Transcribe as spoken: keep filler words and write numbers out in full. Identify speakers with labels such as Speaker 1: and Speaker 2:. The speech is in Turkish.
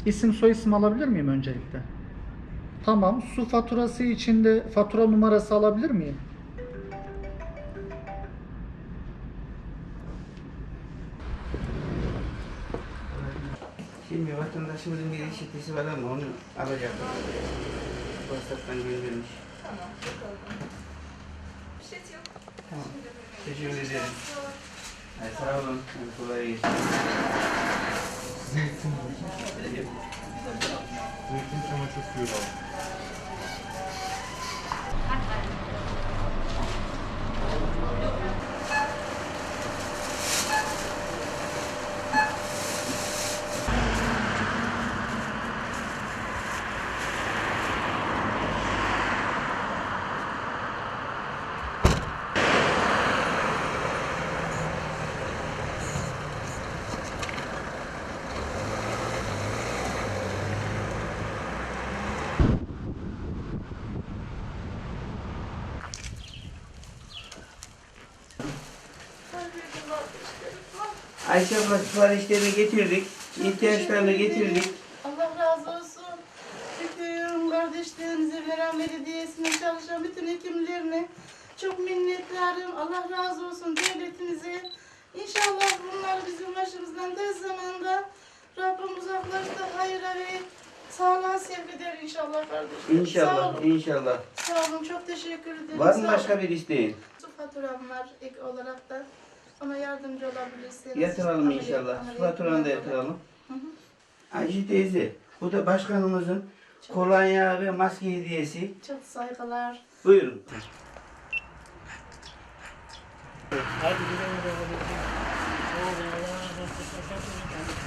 Speaker 1: İsim soyisim alabilir miyim öncelikle? Tamam. Su faturası için de fatura numarası alabilir miyim?
Speaker 2: Şimdi vatandaşımızın bir işitisi var ama onu alacak. WhatsApp'tan göndermiş.
Speaker 3: Tamam, bakalım. Bir şey yok.
Speaker 2: Tamam.
Speaker 3: Şimdi
Speaker 2: Teşekkür
Speaker 3: böyle-
Speaker 2: ederim. Ay, sağ olun. Hadi kolay gelsin.
Speaker 4: Zeytin çamaşır suyu var.
Speaker 2: Ayşe abla siparişlerini getirdik. İhtiyaçlarını getirdik.
Speaker 5: Allah razı olsun. Bütün kardeşlerimize veren belediyesine çalışan bütün hekimlerine çok minnettarım. Allah razı olsun devletimize. İnşallah bunlar bizim başımızdan tez zamanda Rabbim uzaklaştı hayra ve sağlığa sevk eder inşallah kardeşlerim. Sağ
Speaker 2: İnşallah,
Speaker 5: olun.
Speaker 2: inşallah.
Speaker 5: Sağ olun. Çok teşekkür ederim.
Speaker 2: Var
Speaker 5: Sağ
Speaker 2: mı
Speaker 5: olun.
Speaker 2: başka bir isteğin?
Speaker 5: Su faturam var ek olarak da. Ona yardımcı olabilirsiniz.
Speaker 2: Yatıralım
Speaker 5: Ameliyat-
Speaker 2: inşallah.
Speaker 5: ameliyat
Speaker 2: Faturanı da
Speaker 5: yapmadan.
Speaker 2: yatıralım.
Speaker 5: Hı hı.
Speaker 2: Ayşe teyze, bu da başkanımızın kolonya ve maske hediyesi.
Speaker 5: Çok saygılar.
Speaker 2: Buyurun.
Speaker 6: Hadi gidelim. Hadi gidelim.